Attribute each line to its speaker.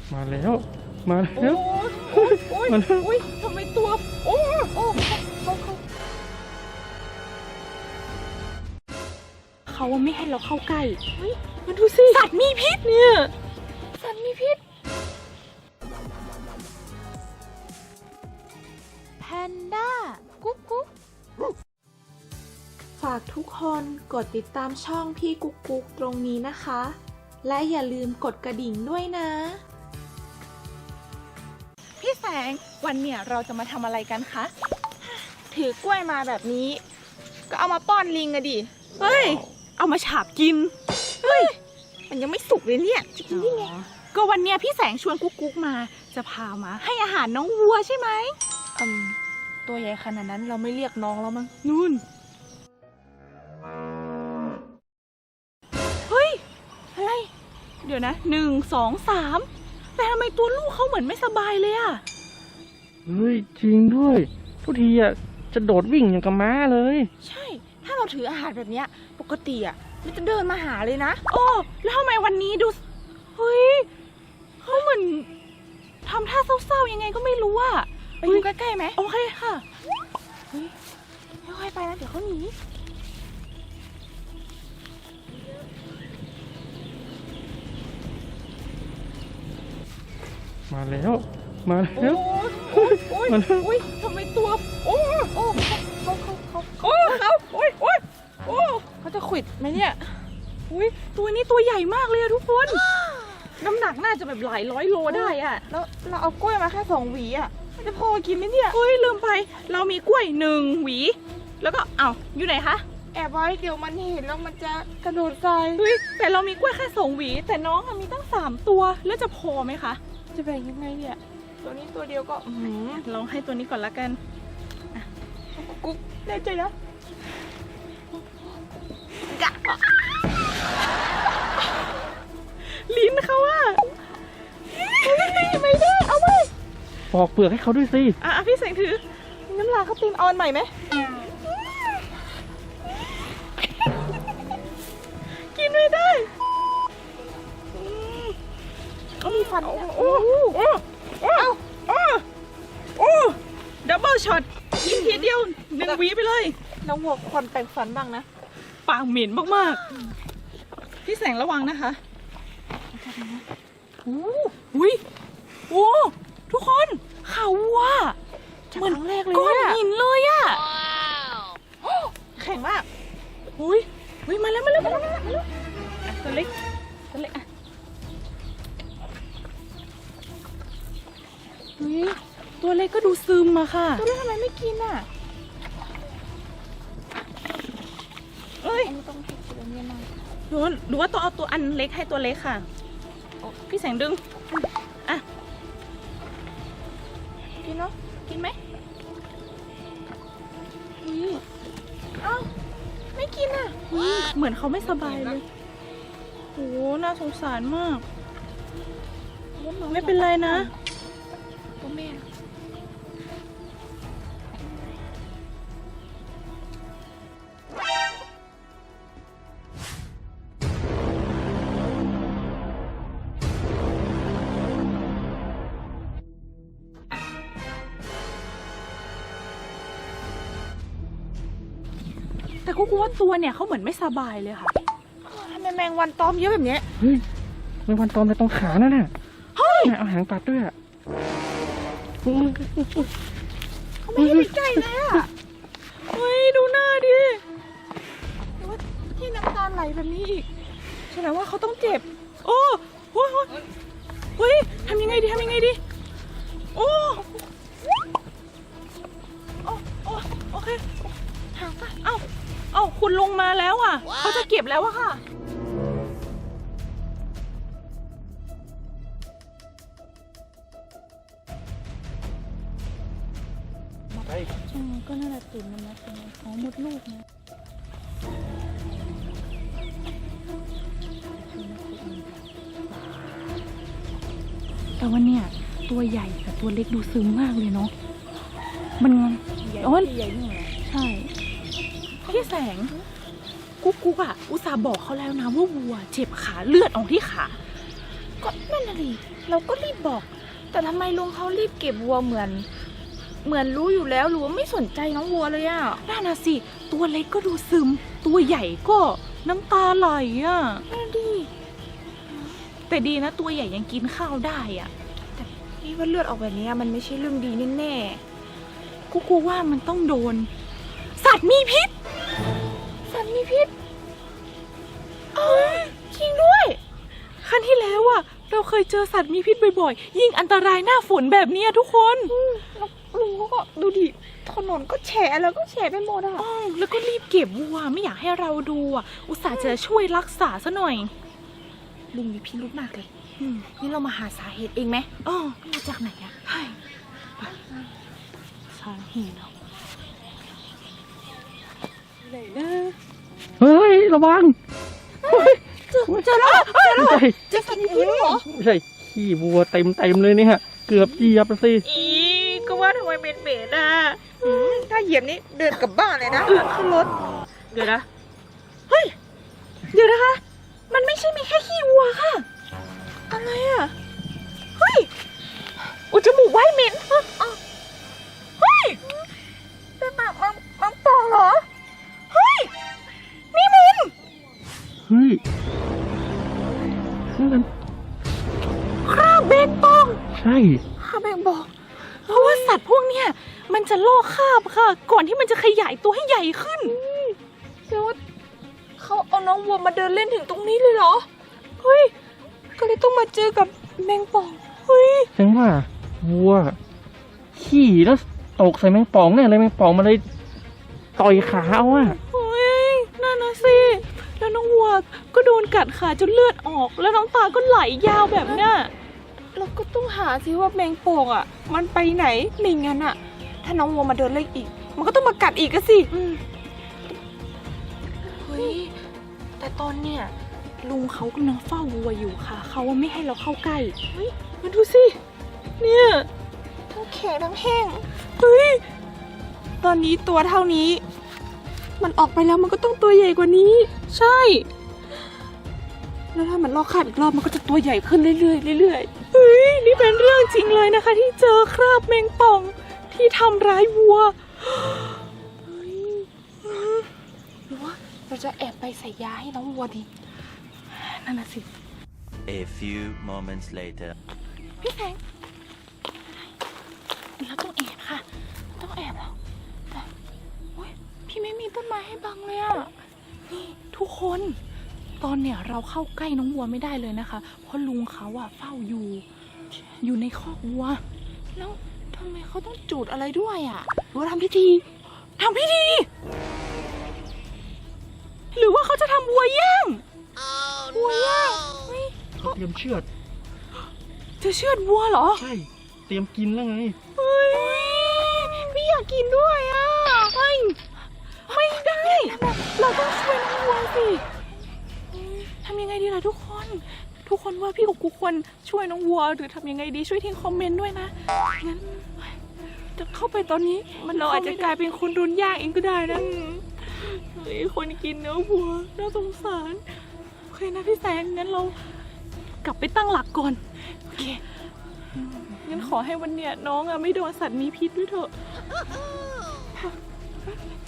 Speaker 1: มาแล้วมาแล้ว
Speaker 2: โอ้ยทำไมตัวโอ้เขาไม่ให้เราเข้าใกล้เฮ้ยมาดูสิสัตว์มีพิษเนี่ยสัตว์มีพิษแพนด้ากุ๊กกุ๊กฝากทุกคนกดติดตามช่องพี่กุ๊กกุ๊กตรงนี้นะคะ และอย่าลืมกดกระดิ่งด้วยนะพี่แสงวันเนี่ยเราจะมาทำอะไรกันคะถือกล้วยมาแบบนี้ก็เอามาป้อนลิงอะดิเฮ้ยเอามาฉาบกินเฮ้ยมันยังไม่สุกเลยเนี่ยจะกินได้ไงก็วันเนี้ยพี่แสงชวนกุ๊กกุ๊กมาจะพามาให้อาหารน้องวัวใช่ไหมตัวใหญ่ขนาดนั้นเราไม่เรียกน้องแล้วมั้งนู่นเฮ้ยอะไรเดี๋ยวนะ1 2 3แต่ทำไมตัวลูกเขาเหมือนไม่สบายเลยอะ
Speaker 1: เฮ้ยจริงด้วยทุกทีอ่ะจะโดดวิ่งอย่างกับม้าเลย
Speaker 2: ใช่ถ้าเราถืออาหารแบบเนี้ยปกติอ่ะมันจะเดินมาหาเลยนะโอ้แล้วทำไมวันนี้ดูเฮ้ยเขาเหมือนทำท่าเศร้าๆยังไงก็ไม่รู้อ่ะไปดูใกล้ๆไหมโอเคค่ะเฮ้ยค่อยๆไปนะเดี๋ยวเขาหนี
Speaker 1: มาแล้วมาแล้ว
Speaker 2: โอ้ยทำไมตัวโอ้เขาจะขวิดไหมเนี่ยอุ้ยตัวนี้ตัวใหญ่มากเลยอะทุกคนน้ำหนักน่าจะแบบหลายร้อยโลได้อะแล้วเราเอากล้วยมาแค่2 หวีอะมันจะพอกินไหมเนี่ยเฮ้ยลืมไปเรามีกล้วย1 หวีแล้วก็อยู่ไหนคะแอบไว้เดี๋ยวมันเห็นแล้วมันจะกระโดดใส่เฮ้ยแต่เรามีกล้วยแค่2 หวีแต่น้องมีตั้ง3 ตัวแล้วจะพอไหมคะจะแบ่งยังไงเนี่ยตัวนี้ตัวเดียวก็ลองให้ตัวนี้ก่อนละกันกุ๊กแน่ใจนะลิ้นเขาอะไม่ได้เอาไป
Speaker 1: ปอกเปลือกให้เขาด้วยสิ
Speaker 2: พี่แสงถือน้ำลายเขาตีนออนใหม่ไหมกินไม่ได้เขามีฟันดับเบิลช็อตกินทีเดียว1 หวีไปเลยน้องหัวควันแปรงฟันบ้างนะปากเหม็นมากๆพี่แสงระวังนะคะอุ้ยทุกคนเขาวัวเหมือนก้อนหินเลยอะแข็งมากอุ้ยมาแล้วตัวเล็กอ่ะตัวเล็กก็ดูซึมอะค่ะตัวเล็กทำไมไม่กินอะต้องให้ตัวนี้หน่อยหรือว่าต้องเอาตัวอันเล็กให้ตัวเล็กค่ะพี่แสงดึงอ่ะกินเนาะกินไหมไม่กินอ่ะเหมือนเขาไม่สบายเลยโหน่าสงสารมากไม่เป็นไรนะตัวแม่แต่กูว่าตัวเนี่ยเขาเหมือนไม่สบายเลยค่ะทำไมแมงวันตอมเยอะแบบนี้
Speaker 1: เฮ้ยแมงวันตอมในตรงขานั่นน่ะเฮ้ยเอาหางปัดด้วยอ่ะ
Speaker 2: เขาไม่ให้ไปใกล้เลยอ่ะเฮ้ยดูหน้าดิแต่ว่าที่น้ำตาไหลแบบนี้อีกแสดงว่าเขาต้องเจ็บโอ้โหทำยังไงดีโอเคหางป่ะคุณลงมาแล้วอ่ะเขาจะเก็บแล้วอะค่ะก็น่าจะตื่นมันนะมดลูกนะแต่ว่าเนี่ยตัวใหญ่กับตัวเล็กดูซึมมากเลยเนาะมันใหญ่นี่ใช่พี่แสงกุ๊กอะอุตส่าห์บอกเขาแล้วนะว่าวัวเจ็บขาเลือดออกที่ขาก็นั่นน่ะดิเราก็รีบบอก แต่ทำไมลุงเขารีบเก็บวัวเหมือนรู้อยู่แล้วหรือว่าไม่สนใจน้องวัวเลยอ่ะนั่นน่ะสิตัวเล็กก็ดูซึมตัวใหญ่ก็น้ำตาไหลอ่ะนั่นดิแต่ดีนะตัวใหญ่ยังกินข้าวได้อ่ะแต่นี่ว่าเลือดออกแบบนี้มันไม่ใช่เรื่องดีแน่ๆกูกลัวว่ามันต้องโดนสัตว์มีพิษสัตว์มีพิษจริงด้วยครั้งที่แล้วอ่ะเราเคยเจอสัตว์มีพิษบ่อยๆยิ่งอันตรายหน้าฝนแบบนี้ทุกคนลุงก็ดูดิถนนก็แฉะแล้วก็แฉะไปหมดอ่ะแล้วก็รีบเก็บวัวไม่อยากให้เราดูอ่ะอุตส่าห์จะช่วยรักษาซะหน่อยลุงมีพิรุธมากเลยนี่เรามาหาสาเหตุเองไหมมาจากไหนอ่ะใช่สาเหตุเนาะไหนนะ
Speaker 1: เฮ้ยระวัง
Speaker 2: เจอแล้ว
Speaker 1: ไม่ใช่
Speaker 2: เจอสัตว์มีพิษเหรอ
Speaker 1: ไม่ใช่ขี้วัวเต็มเลยเนี่ยฮะเกือบเหยียบแล้วสิ
Speaker 2: ก็ว่าทำไมเป็นเบสอ่ะถ้าเหยียบนี่เดินกลับบ้านเลยนะขึ้นรถเดี๋ยวนะเฮ้ยเดี๋ยวนะคะมันไม่ใช่มีแค่ขี้วัวค่ะอะไรอ่ะเฮ้ยอุยจมูกไว้เหม็นเฮ้ยเป็นปากมังปองเหรอเฮ้ยนี่มัน
Speaker 1: เฮ้ยนั่นมัน
Speaker 2: คราบแมงป่อง
Speaker 1: ใช่
Speaker 2: คราบแมงป่องเพราะว่าสัตว์พวกเนี้ยมันจะลอกคราบค่ะก่อนที่มันจะขยายตัวให้ใหญ่ขึ้นแปลว่าเขาเอาน้องวัวมาเดินเล่นถึงตรงนี้เลยเหรอเฮ้ยก็เลยต้องมาเจอกับแมงป่องเฮ้ย
Speaker 1: แสดงว่าวัวขี่แล้วตกใส่แมงป่องเนี่ยเลยแมงป่องมาเลยต่อยขาเอาอะ
Speaker 2: เฮ้ยนั่นนะสิแล้วน้องวัวก็โดนกัดขาจนเลือดออกแล้วน้องตาก็ไหลยาวแบบเนี้ยเราก็ต้องหาสิว่าแมงป่องอ่ะมันไปไหนไม่งั้นอ่ะถ้าน้องวัวมาเดินเล่นอีกมันก็ต้องมากัดอีกก็สิเฮ้ยแต่ตอนเนี้ยลุงเขากำลังเฝ้าวัวอยู่ค่ะเขาว่าไม่ให้เราเข้าใกล้เฮ้ยมาดูสิเนี่ยทั้งแข็งทั้งแห้งเฮ้ยตอนนี้ตัวเท่านี้มันออกไปแล้วมันก็ต้องตัวใหญ่กว่านี้ใช่แล้วถ้ามันลอกคราบอีกรอบมันก็จะตัวใหญ่ขึ้นเรื่อยๆเรื่อยๆเฮ้ยนี่เป็นเรื่องจริงเลยนะคะที่เจอคราบแมงป่องที่ทำร้ายวัวหรือว่าเราจะแอบไปใส่ยาให้น้องวัวดีนั่นน่ะสิ
Speaker 3: A few moments later
Speaker 2: พี่แสงเราต้องแอบค่ะต้องแอบแล้วแต่โอ๊ยพี่ไม่มีต้นไม้ให้บังเลยอ่ะนี่ทุกคนตอนเนี่ยเราเข้าใกล้น้องวัวไม่ได้เลยนะคะเพราะลุงเขาอะเฝ้าอยู่ในคอกวัวแล้วทำไมเขาต้องจุดอะไรด้วยอะหรือว่าทำพิธีหรือว่าเขาจะทำวัวย่างวัวย่างเฮ้ย
Speaker 1: เขาเตรียมเชือด
Speaker 2: จะเชือดวัวเหรอ
Speaker 1: ใช่เตรียมกินแล้วไง
Speaker 2: เฮ้ยพี่อยากกินด้วยอะไม่ได้เราต้องช่วยน้องวัวสิทำยังไงดีล่ะทุกคนว่าพี่กับกูควรช่วยน้องวัวหรือทำยังไงดีช่วยทิ้งคอมเมนต์ด้วยนะงั้นจะเข้าไปตอนนี้เราอาจจะกลายเป็นคนโดนย่างเองก็ได้นะเฮ้ยคนกินเนื้อวัวน่าสงสารโอเคนะพี่แสงงั้นเรากลับไปตั้งหลักก่อนโอเคงั้นขอให้วันเนี้ยน้องอะไม่โดนสัตว์มีพิษด้วยเถอะ